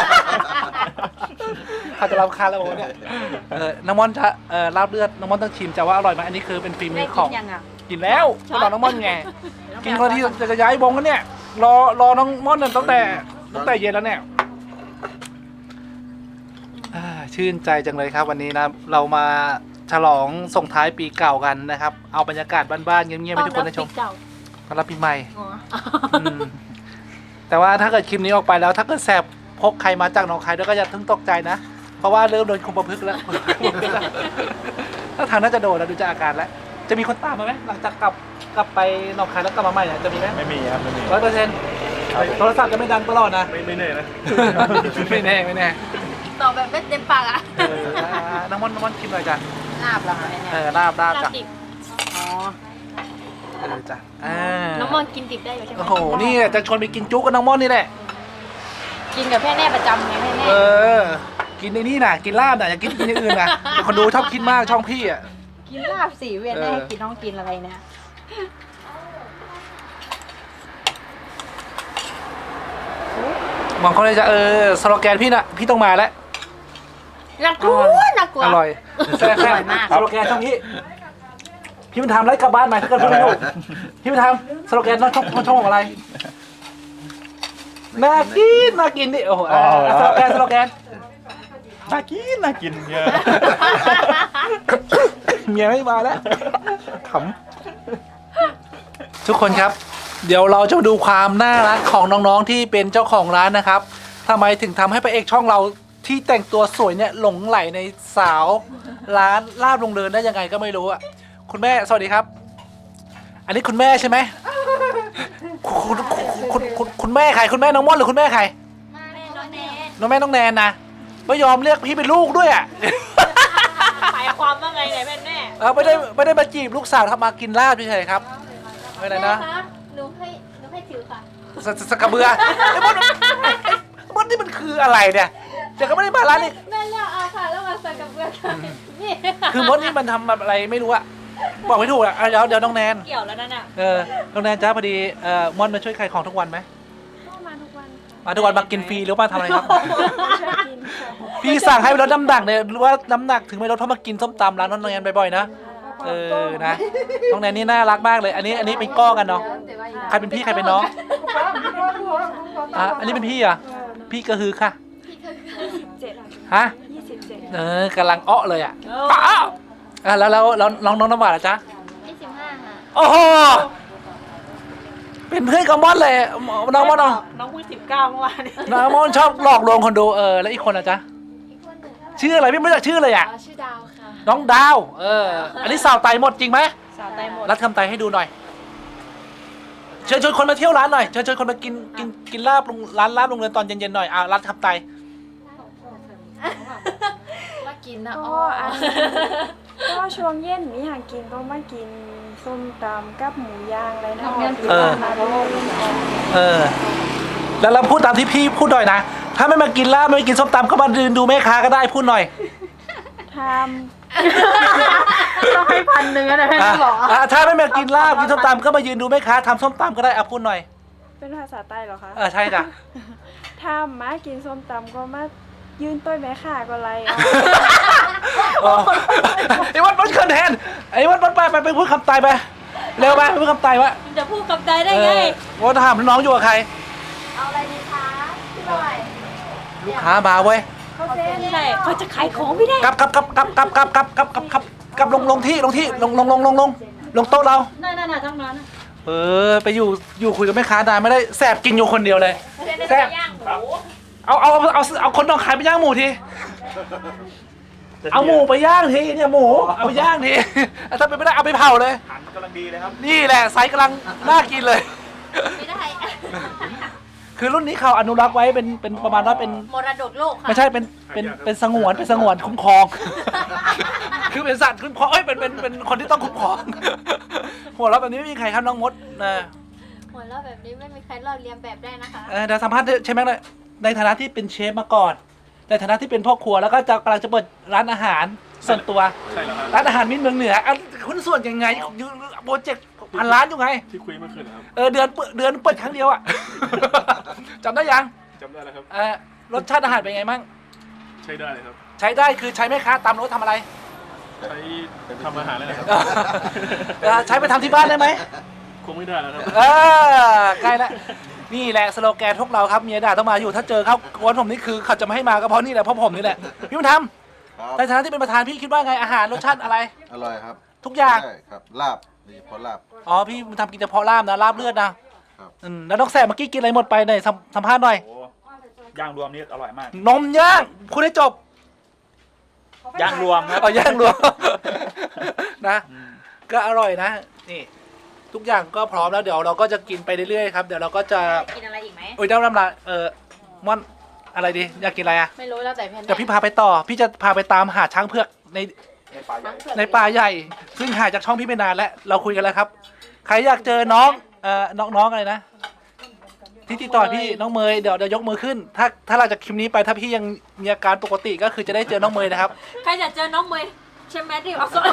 Speaker 1: เขาจะรับคาแล้วบอกเนี่ยน้องมอนจะลาบเลือดน้องมอนต้องชิมจะว่าอร่อยไหมอันนี้คือเป็นฝีมื
Speaker 5: ได้
Speaker 1: อข
Speaker 5: กิ
Speaker 1: อง
Speaker 5: นยังอ่ะ
Speaker 1: กินแล้วก็บอกน้องม่อนไงกินคนที่จะย้ายวงกันเนี่ยรอน้องม่อนตั้งแต่เย็นแล้วเนี่ยชื่นใจจังเลยครับวันนี้นะเรามาฉลองส่งท้ายปีเก่ากันนะครับเอาบรรยากาศบ้านๆเงียบๆให้ทุกคนได้ชมต้อนรับปีใหม่มแต่ว่าถ้าเกิดคลิปนี้ออกไปแล้วถ้าเกิดแสบพกใครมาจากหนองคายด้วยก็อย่าเพิ่งตกใจนะเพราะว่าเริ่มโดนคุมประพฤกษ์แล้ว ถ้าทางน่าจะโดนแล้วดูจากอาการแล้วจะมีคนตามมาไหมหลังจากกลับไปหนองคายแล้วกลับมาใหม่เนี่ยจะมีไหม
Speaker 3: ไม่มีครับไม่มี
Speaker 1: 100%โทรศัพท์จะไม่ดังตลอดนะ
Speaker 3: ไม่แน่นะ
Speaker 1: ไม่แน่
Speaker 2: ตอบแบบไม่เต็มปากอ่ะ
Speaker 1: น้องม่อนชิมหน่อยจ้ะ
Speaker 5: ลาบเหรอคะเนี่ย
Speaker 1: ลาบจ้ะ
Speaker 2: ดิบ
Speaker 5: อ๋อ
Speaker 1: จ้ะ
Speaker 2: น้องมอนกินดิบได้อยู่ใช่ไหม
Speaker 1: โอ้โหนี่จะชวนไปกินจุ๊กกับน้องม่อนนี่แหละ
Speaker 5: กินกับแม่แน่ประจำไงแม่แน่
Speaker 1: กินในนี่นะกินลาบนะอย่ากินอย่างอื่นนะแต่คนดูชอบกินมากช่องพี่อ่ะ
Speaker 5: กินลาบสีเวียนแน่ให้กินน้องกินอะไรเนี่ย
Speaker 1: มองเขาเลยจะสโลแกนพี่นะพี่ต้องมาแล้ว
Speaker 2: น่ากลัวน่ากลัว
Speaker 1: อร่อยแซ่บสโลแกนช่องพี่มันทำไรกลับบ้านใหม่ถ้าเกิดพูดไม่ถูกพี่มันทำสโลแกนช่องของอะไรน่ากินดิโอ้โหสโลแกน
Speaker 3: น่ากินเยอะ
Speaker 1: เมียไม่มาแล้วขำทุกคนครับ เดี๋ยวเราจะมาดูความน่ารักของน้องๆที่เป็นเจ้าของร้านนะครับทำไมถึงทำให้พระเอกช่องเราที่แต่งตัวสวยเนี่ยหลงไหลในสาวร้านลาบลงเดินได้ยังไงก็ไม่รู้อ่ะคุณแม่สวัสดีครับ อันนี้คุณแม่ใช่ไหมคุณแม่ใครคุณแม่น้องม่อนหรือคุณแม่ใคร
Speaker 2: แม่น้องแนน
Speaker 1: น้องแม่น้องแนนนะไม่ยอมเรียกพี่เป็นลูกด้วยอ่ะ
Speaker 5: หมายความว่าไงเนี่ยแม่แน่
Speaker 1: ไม่ได้มาจีบลูกสาวครับมากินลาบเฉยๆครับไม่อะไรนะ
Speaker 2: แม่คะหนูให้ถือค่ะ
Speaker 1: สกกระเบือไอ้มดนี่มันคืออะไรเนี่ยเดี๋ยวก็ไม่ได้มาร้านนี่
Speaker 2: แม่เลือกเอาค่ะแล้วมาใส่กับเบือกันนี่
Speaker 1: คือมดนี่มันทำแบบอะไรไม่รู้อะบอกไม่ถูกอะเดี๋ยวน้องแนน
Speaker 5: เกี่ยวแล้วนั่นน่ะ
Speaker 1: น้องแนนจ้าพอดีมอนมาช่วยขายของทุกวันไหม
Speaker 4: ก็มาทุกวันค่ะ
Speaker 1: มาทุกวันมากินฟรีหรือมาทำอะไรครับ
Speaker 4: ช่วยกินค่ะ
Speaker 1: พี่สั่งให้ไปลดน้ำหนักเนี่ยหรือว่าน้ำหนักถึงไม่ลดเพราะมากินส้มตำร้านน้องแนนบ่อยๆนะนะน้องแนนนี่น่ารักมากเลย อันนี้เป็นก้อกันเนาะใครเป็นพี่ใครเป็นน้องอันนี้เป็นพี่อะพี่ก็คือค่ะ
Speaker 4: 27
Speaker 1: ฮะ
Speaker 4: 27
Speaker 1: กำลังอ้อเลยอ่ะแล้วน้องน้ำหวานล่ะจ๊ะ
Speaker 2: 25ค่ะ
Speaker 1: โอ้โหเป็นเพื่อนกับมอนเลยน้องมอน
Speaker 5: น้องพูด19เมื่อวานนี้
Speaker 1: น้องมอนชอบหลอกลวงคนดูแล้วอีกคนล่ะจ๊ะ
Speaker 2: อีกคนหนึ่ง
Speaker 1: ชื่ออะไรพี่ไม่รู้จักชื่อเลยอ่ะ
Speaker 2: ชื่อดาวค่ะ
Speaker 1: น้องดาวอันนี้สาวไตหมดจริงไหม
Speaker 5: สาวไตหมด
Speaker 1: รัดคำไตให้ดูหน่อยเชิญคนมาเที่ยวร้านหน่อยเชิญคนมากินลาบร้านลาบโรงเรียนตอนเย็นๆหน่อยรัดคำไต
Speaker 2: ว่ากินนะ
Speaker 4: ก็ช่วงเย็นมีหากินก็มากินส้มตำกับหมูย่างอะไรนะมาโลก
Speaker 1: แล้วเราพูดตามที่พี่พูดหน่อยนะถ้าไม่มากินลาบไม่กินส้มตำก็มาดูแม่ค้าก็ได้พูดหน่อย
Speaker 4: ท
Speaker 5: ต้องให้1,000นะแม่บอก
Speaker 1: ถ้าไม่มากินลาบกินส้มตำก็มายืนดูแม่ค้าทำส้มตำก็ได้พูดหน่อย
Speaker 4: ำเป็นภาษาใต้เหรอคะ
Speaker 1: ใช่จ้ะ
Speaker 4: ถ้ามากินส้มตำก็มายืนต้วยแม่ข่าก็ไร
Speaker 1: ไอ้วัดเขินแทนไอ้วัดไปพูดคำตายไปเร็วไปพูดคำตายวะ
Speaker 2: จะพูดกับใจได้ไง
Speaker 1: ว่าถามน้องอยู่กับใคร
Speaker 2: เอาอะไรดีคะพี่บอย
Speaker 1: ลูกค้ามาเว้ย
Speaker 2: ใช่เขาจะขายของไม่ได้
Speaker 1: กลับลงที่ลงโต๊ะเรา
Speaker 5: น่าทั้งนั้น
Speaker 1: ไปอยู่คุยกับแม่ค้านานไม่ได้แสบกินอยู่คนเดียวเลยแสบ
Speaker 2: ย่างหมู
Speaker 1: เอาคนต้องขายไปย่างหมูทีเอาหมูไปย่างทีเนี่ยหมูเอาไปย่างทีถ้าเป็นไม่ได้เอาไปเผาเลย
Speaker 3: หันกำลังดีเลยครับ
Speaker 1: นี่แหละไซส์กำลังน่ากินเลย
Speaker 2: ไม่ได้
Speaker 1: คือรุ่นนี้เขาอนุรักษ์ไว้เป็นประมาณว่าเป็น
Speaker 2: มรดกโลกค่ะ
Speaker 1: ไม่ใช่เป็นสงวนคุ้มครอง คือเป็นสัตว์คุ้มครองเป็นคนที่ต้องคุ้มครอง หัวเราะแบบนี้ไม่มีใครครับน้องมดนะ
Speaker 2: หัวเราะแบบนี้ไม่มีใครลอกเลียนแบบได้นะคะ
Speaker 1: เดี๋ยวสัมภาษณ์ใช่ไหมเลยในฐานะที่เป็นเชฟมาก่อนในฐานะที่เป็นพ่อครัวแล้วก็กำลังจะเปิดร้านอาหารส่วนตัว
Speaker 3: ใช่แล้วครับ
Speaker 1: ร้านอาหารมิตรเมืองเหนือคุณส่วนยังไงโปรเจกต์พันล้านอยู่ไง
Speaker 3: ที่คุยเมื่อคืนนะครับ
Speaker 1: เดือนเปิดครั้งเดียวอ่ะ จำได้ยัง
Speaker 3: จำได้แล้วครับ
Speaker 1: รสชาติอาหารเป็นไงมั่ง
Speaker 3: ใช้ได้เลยครับ
Speaker 1: ใช้ได้คือใช้ไหมคะตามรถทำอะไร
Speaker 3: ใช้ทำอาหารเลยนะครับ
Speaker 1: ใช้ไปทำที่บ้านได้ไหม
Speaker 3: คงไม่ได้แล้วครับ
Speaker 1: ใกล้แล้วนี่แหละสโลแกนพวกเราครับเมียด่าต้องมาอยู่ถ้าเจอเขากวนผมนี่คือเขาจะไม่ให้มาก็เพราะนี่แหละเพราะผมนี่แหละพี่บุญธรรม
Speaker 6: ครับ
Speaker 1: ในฐานะที่เป็นประธานพี่คิดว่าไงอาหารรสชาติอะไร
Speaker 6: อร่อยครับ
Speaker 1: ทุกอย่าง
Speaker 6: ใช่ครับลาบโดยเฉพาะลาบ
Speaker 1: อ๋อพี่บุญธรรมกินเฉพาะลาบนะลาบเลือดนะครับ แล้วน้องแสบเมื่อกี้กินอะไรหมดไปไหนสัมภาษณ์หน่อย
Speaker 3: โอ้ย่างรวมนี่อร่อยมาก
Speaker 1: นมย่างคุณได้จบ
Speaker 3: ย่างรวมครับ
Speaker 1: เอาย่างรวม นะ ก็อร่อยนะนี่ทุกอย่างก็พร้อมแล้วเดี๋ยวเราก็จะกินไปเรื่อยๆครับเดี๋ยวเราก็จะ
Speaker 2: กินอะไรอีกไหม
Speaker 1: โอ้ยน้ำลายม่อนอะไรดีอยากกินอะไรอ่ะ
Speaker 5: ไม่รู้แล้วแต่แพน
Speaker 1: เดี๋ยวพี่พาไปต่อพี่จะพาไปตามหาช้างเผือกในป่าใหญ่ ซึ่งหายจากช่องพี่ไม่นานแล้วเราคุยกันแล้วครับ ใครอยากเจอน้องน้องอะไรนะที่ติดต่อพี่น้องเมยเดี๋ยวยกมือขึ้น ถ้าเราจากคลิปนี้ไปถ้าพี่ยังมีอาการปกติก็คือจะได้เจอน้องเมยนะครับ
Speaker 2: ใครอยากเจอน้องเมย์ใช่ไหมที่เอาโซ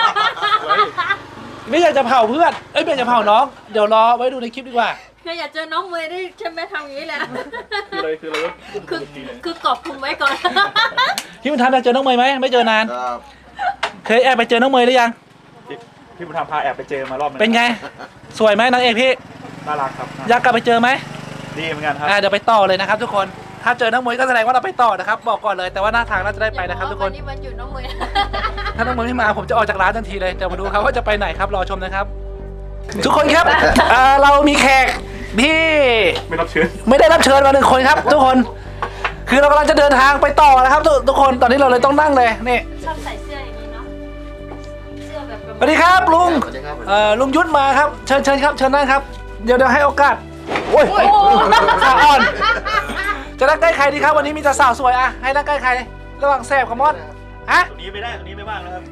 Speaker 1: ไม่อยากจะเผาเพื่อนไม่อยากจะเผาน้องเดี๋ยวรอไว้ดูในคลิปดีกว่า
Speaker 2: ใครอยากเจอน้องเมย์ได้ใช่ไหมทำอย่างนี้แหละ
Speaker 3: คืออะไรก็
Speaker 2: คือกรอบคุมไว้ก่อน
Speaker 1: พี่บุญธรรมอยากเจอน้องเมยไหมไม่เจอนาน
Speaker 6: ครับ
Speaker 1: เคยแอบไปเจอน้องเมยหรือยัง
Speaker 3: พี่บุญธรรมพาแอบไปเจอมารอบนึง
Speaker 1: เป็นไงสวยไหมนางเอกพี่
Speaker 3: น่ารักครับ
Speaker 1: อยากกลับไปเจอไหม
Speaker 3: ดีเหมือนกันครับ
Speaker 1: เดี๋ยวไปต่อเลยนะครับทุกคน ถ้าเจอน้องมวยก็แสดงว่าเราไปต่อนะครับ บอกก่อนเลย แต่ว่าหน้าทางน่าจะได้ไปนะครับทุกคน
Speaker 2: วันนี้วันหยุดน้องเมย์
Speaker 1: ถ้าน้องมวยไม่มาผมจะออกจากร้านทันทีเลย เดี๋ยวมาดูครับว่าจะไปไหนครับ รอชมนะครับ ทุกคนครับ เรามีแขกที่
Speaker 3: ไม่รับเชิญ
Speaker 1: ไม่ได้รับเชิญมา1 คนครับ ทุกคน คือเรากำลังจะเดินทางไปต่อนะครับทุกคน ตอนนี้เราเลยต้องนั่งเลย นี่
Speaker 2: ชอบใส่เสื้ออย่างนี้เนาะเสื้อแบบ
Speaker 1: สวัสดีครับลุง
Speaker 6: สวัสดีครับ
Speaker 1: ลุงยุทธมาครับ เชิญครับ เชิญนั่งครับ เดี๋ยวให้โอกาส โอ้ยสาวอ่อน จะนั่งใกล้ใครดีครับวันนี้มีแต่สาวสวยอะให้นั่งใกล้ใครระหว่างแสบกับมอดอะ
Speaker 3: ตรงนี้ไม่ได้ตรงนี้ไม่ว่างแล้วครับ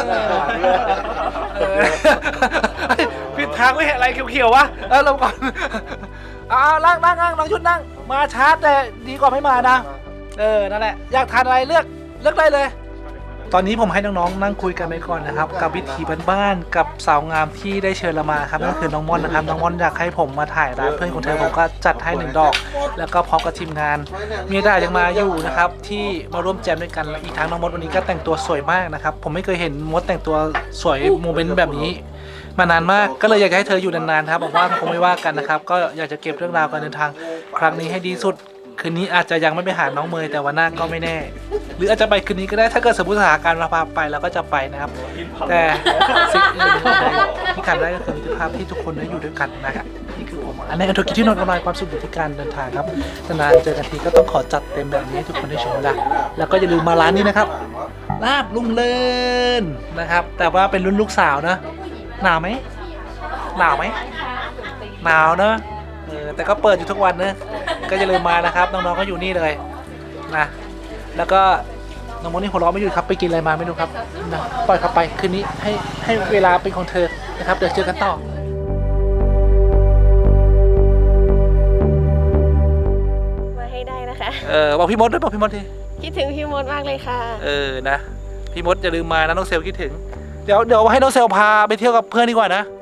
Speaker 1: ผิดทางไม่เห็นอะไรเขียวๆวะลงก่อนนั่งน้องยุทธนั่งมาช้าแต่ดีกว่าไม่มานะนั่นแหละอยากทานอะไรเลือกได้เลย ตอนนี้ผมให้น้องๆนั่งคุยกันไปก่อนนะครับกับวิถีบ้านๆกับสาวงามที่ได้เชิญเรามาครับนั่นคือน้องม่อนนะครับน้องม่อนอยากให้ผมมาถ่ายร้านเพื่อนของเธอผมก็จัดให้1 ดอก แล้วก็พร้อมกับทีมงานเมียดายังมาอยู่นะครับที่มาร่วมแจมด้วยกันและอีกทั้งน้องมดวันนี้ก็แต่งตัวสวยมากนะครับผมไม่เคยเห็นมดแต่งตัวสวยโมเมนต์แบบนี้มานานมากก็เลยอยากให้เธออยู่นานๆครับบอกว่าคงไม่ว่ากันนะครับก็อยากจะเก็บเรื่องราวการเดินทางครั้งนี้ให้ดีสุดคืนนี้อาจจะยังไม่ไปหาน้องเมยแต่วันหน้าก็ไม่แน่ หรืออาจจะไปคืนนี้ก็ได้ถ้าเกิดสมมติสถานการณ์เราพาไปเราก็จะไปนะครับ แต่สิ่งอื่นที่ขาดได้ก็คือมิตรภาพที่ทุกคนได้อยู่ด้วยกันนะครับนี่คือผมอันนี้ธุรกิจที่นอนออนไลน์ความสุขอยู่ที่การเดินทางครับนานๆเจอกันทีก็ต้องขอจัดเต็มแบบนี้ให้ทุกคนได้ชมนะแล้วก็อย่าลืมมาร้านนี้นะครับลาบลุงเลินนะครับแต่ว่าเป็นรุ่นลูกสาวนะหนาวไหมหนาวเนอะแต่ก็เปิดอยู่ทุกวันนะก็อย่าลืมมานะครับน้องๆก็อยู่นี่เลยนะแล้วก็น้องมดนี่หัวเราะไม่หยุดครับไปกินอะไรมาไม่รู้ครับนะปล่อยเขาไปคืนนี้ให้เวลาเป็นของเธอนะครับเดี๋ยวเจอกันต่อ
Speaker 4: มาให้ได้นะคะ
Speaker 1: บอกพี่มดด้วยบอกพี่มดที
Speaker 4: คิดถึงพี่มดมากเลยค่ะ
Speaker 1: นะพี่มดอย่าลืมมานะน้องเซลคิดถึงเดี๋ยวให้น้องเซลพาไปเที่ยวกับเพื่อนดีกว่านะ